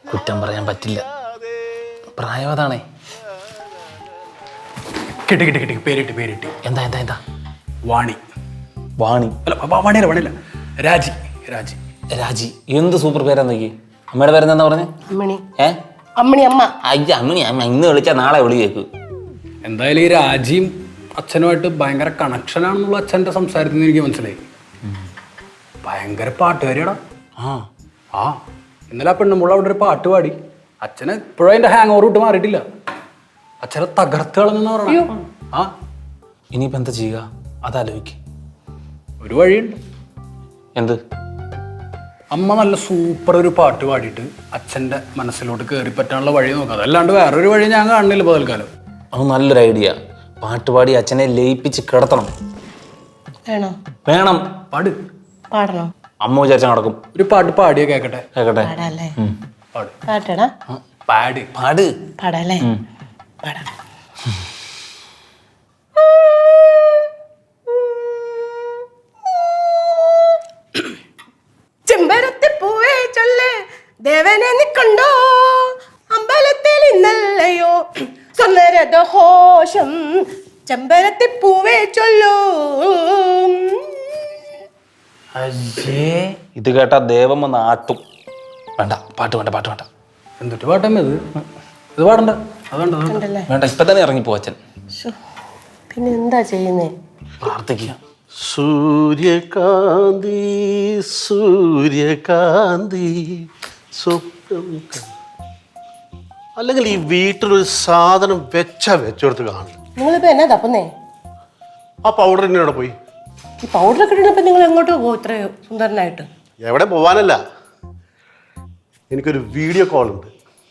കുറ്റം പറയാൻ പറ്റില്ല, പ്രായം അതാണേ. കിട്ടി കിട്ടി കിട്ടി, പേരിട്ട് പേരിട്ട്. എന്താ എന്താ എന്താ? വാണി. വാണി അല്ല വാണിയല്ല വാണിയല്ല, രാജി. രാജി രാജി എന്ത് സൂപ്പർ പേരാന്ന് നോക്കി. അമ്മയുടെ പേരെന്താ പറഞ്ഞേ? അമ്മണി. ഏ അമ്മണി അമ്മ. അയ്യ അമ്മണി അമ്മ ഇന്ന് വിളിച്ചാൽ നാളെ വിളി കേൾക്കൂ. എന്തായാലും ഈ രാജിയും അച്ഛനുമായിട്ട് ഭയങ്കര കണക്ഷനാണെന്നുള്ള അച്ഛൻ്റെ സംസാരത്തിൽ നിന്ന് എനിക്ക് മനസ്സിലായി. ഭയങ്കര പാട്ടുകാരിയാടാ. ആ ഇന്നലെ ആ പെണ്ണുമ്പോൾ അവിടെ ഒരു പാട്ട് പാടി. അച്ഛന് ഇപ്പോഴും അതിൻ്റെ ഹാങ് ഓവർ വിട്ട് മാറിയിട്ടില്ല. അച്ഛനെ തകർത്ത് കളഞ്ഞെന്ന് പറഞ്ഞു. ആ ഇനിയിപ്പോൾ എന്താ ചെയ്യുക അതാലോചിക്ക്. ഒരു വഴിയുണ്ട്. എന്ത്? അമ്മ നല്ല സൂപ്പർ ഒരു പാട്ട് പാടിയിട്ട് അച്ഛൻ്റെ മനസ്സിലോട്ട് കയറി പറ്റാനുള്ള വഴി നോക്കാം. അതല്ലാണ്ട് വേറൊരു വഴി ഞാൻ കാണുന്നില്ല ഇപ്പോൾ തൽക്കാലം. അത് നല്ലൊരു ഐഡിയ. പാട്ടുപാടി അച്ഛനെ ലയിപ്പിച്ച് കിടത്തണം. വേണോ? വേണം. പാട്. പാടണോ? അമ്മ വിചാരിച്ചാൽ നടക്കും. ഒരു പാട്ട് പാടിയ കേക്കട്ടെ. കേക്കട്ടെ. പാടാല്ലേ? പാട്. പാട്ടടാ. പാട്. പാട്. പാടാല്ലേ? പാടാ. ചെമ്പരത്തി പൂവേ ചൊല്ല് ദേവനെ നീ കണ്ടോ, അമ്പലത്തിൽ ഇന്നല്ലയോ സ്വന്തരഘോഷം. ചെമ്പരത്തി പൂവേ ചൊല്ലൂ. ഇത് കേട്ടാ ദേവം വന്ന് ആട്ടും. വേണ്ട, പാട്ട് വേണ്ട, പാട്ട് വേണ്ട. എന്തിട്ട് പാട്ടമ്മ ഇത്? ഇത് പാടണ്ട. അതുകൊണ്ട് കണ്ടല്ലേ? വേണ്ട, ഇപ്പൊ തന്നെ ഇറങ്ങിപ്പോ അച്ഛൻ. പിന്നെ എന്താ ചെയ്യുന്നേ? പ്രാർത്ഥിക്കുക. സൂര്യകാന്തി സൂര്യകാന്തി സ്വപ്നം. അല്ലെങ്കിൽ ഈ വീട്ടിലൊരു സാധനം വെച്ചെടുത്ത് കാണില്ല. നിങ്ങളിപ്പോ എന്നാ തപ്പുന്നേ? ആ പൗഡർ എന്നോട് പോയി. ഈ പൗഡറൊക്കെ ഇടുന്നപ്പോ നിങ്ങൾ എങ്ങോട്ടോ പോകും ഇത്ര സുന്ദരനായിട്ട്? എവിടെ പോവാനല്ല, എനിക്കൊരു വീഡിയോ കോൾ ഉണ്ട്.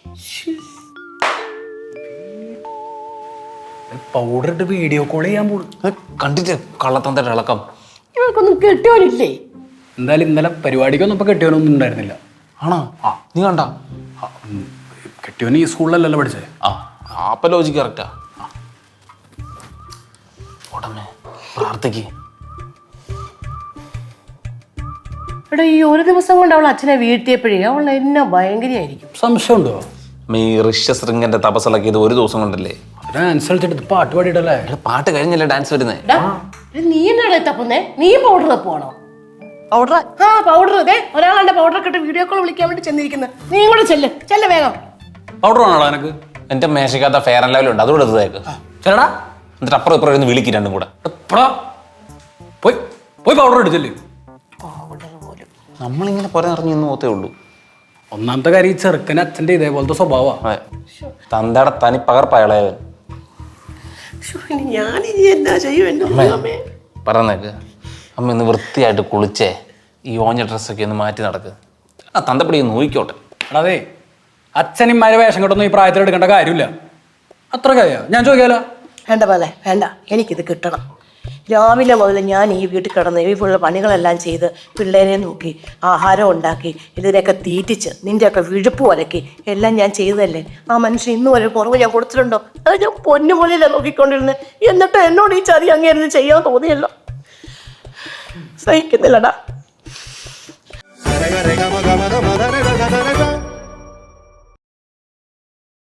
പൗഡർ ഇട്ട് വീഡിയോ കോൾ ചെയ്യാൻ പോകും. കണ്ടിട്ട് കള്ളത്തന്തയുടെ ഇളക്കം. ഇവർക്കൊന്നും കെട്ടിയോനില്ലേ? എന്തായാലും ഇന്നലെ പരിപാടിക്കൊന്നും ഇപ്പൊ കെട്ടിയവനൊന്നും ഉണ്ടായിരുന്നില്ല. ആണോ? ആ നീ കണ്ട? കെട്ടിയവന് ഈ സ്കൂളിലല്ലല്ലോ പഠിച്ചേ. അപ്പൊ ലോജിക്ക് കറക്റ്റാ. ഉടമേ പ്രാർത്ഥിക്ക്. എടാ, ഈ ഒരു ദിവസം കൊണ്ട് അവൾ അച്ഛനെ വീഴ്ത്തിയപ്പോഴേ അവൾ എന്നെ ഭയങ്കരയായിരിക്കും. സംശയമുണ്ടോ? ഈ ഋഷ്യശൃംഗന്റെ തപസ്സിളക്കി ഇത് ഒരു ദിവസം കൊണ്ടല്ലേ? ഡാൻസ് കളിച്ചിട്ട് പാട്ട് പാടിയിട്ടല്ലേ? പാട്ട് കഴിഞ്ഞല്ലേ ഡാൻസ് വരുന്നേ? നീ എന്നാണ് തപ്പുന്നേ? നീ പൗഡർ തപ്പുവാണോ? പൗഡർ? ആ പൗഡർ. അതെ, ഒരാളുടെ പൗഡർ ഒക്കെ ഇട്ട് വീഡിയോ കോൾ വിളിക്കാൻ വേണ്ടി ചെന്നിരിക്കുന്നത്. നീ കൂടെ ചെല്ല് വേഗം. പൗഡർ ആണോടാ എനിക്ക്? എന്റെ മേശക്കകത്ത ഫെയർ ആൻഡ് ലെവൽ ഉണ്ട്, അതുകൂടെ എടുത്തേക്ക്. ചേട്ടാ എന്നിട്ട് അപ്പുറം ഇപ്പുറം ഇരുന്ന് വിളിക്കും രണ്ടും കൂടെ. പോയി പോയി പൗഡർ എടുത്തില്ലേ? നമ്മളിങ്ങനെ പുറം നിറഞ്ഞു നിന്ന് പോത്തേ ഉള്ളൂ. ഒന്നാമത്തെ കാര്യം ഈ ചെറുക്കന് അച്ഛൻ്റെ ഇതേപോലത്തെ സ്വഭാവമാണ്. തന്തയുടെ തനി പകർപ്പയളയവൻ. ഞാനിനി എന്നാ ചെയ്യും? പറഞ്ഞേക്ക്. അമ്മ ഇന്ന് വൃത്തിയായിട്ട് കുളിച്ചേ ഈ ഓഞ്ഞ ഡ്രസ്സൊക്കെ ഒന്ന് മാറ്റി നടക്ക്. ആ തന്തപ്പടി നോക്കിക്കോട്ടെ. അതെ, അച്ഛനിമാരെ വേഷം കെട്ടൊന്നും ഈ പ്രായത്തിൽ എടുക്കേണ്ട കാര്യമില്ല. അത്ര കാര്യ ഞാൻ ചോദിക്കാലോ. വേണ്ട പോലെ വേണ്ട, എനിക്കിത് കിട്ടണം. രാവിലെ മുതൽ ഞാൻ ഈ വീട്ടിൽ കിടന്ന് ഈ ഫുള്ള് പണികളെല്ലാം ചെയ്ത് പിള്ളേരെ നോക്കി ആഹാരം ഉണ്ടാക്കി ഇതിനെയൊക്കെ തീറ്റിച്ച് നിൻ്റെയൊക്കെ വിഴുപ്പ് വലക്കി എല്ലാം ഞാൻ ചെയ്തതല്ലേ. ആ മനുഷ്യൻ ഇന്നും ഒരു കുറവ് ഞാൻ കൊടുത്തിട്ടുണ്ടോ? അത് ഞാൻ പൊന്നുപോലെയല്ലേ നോക്കിക്കൊണ്ടിരുന്നത്. എന്നിട്ട് എന്നോട് ഈ ചതി അങ്ങേരുന്ന് ചെയ്യാൻ തോന്നിയല്ലോ. സഹിക്കുന്നില്ലടാ.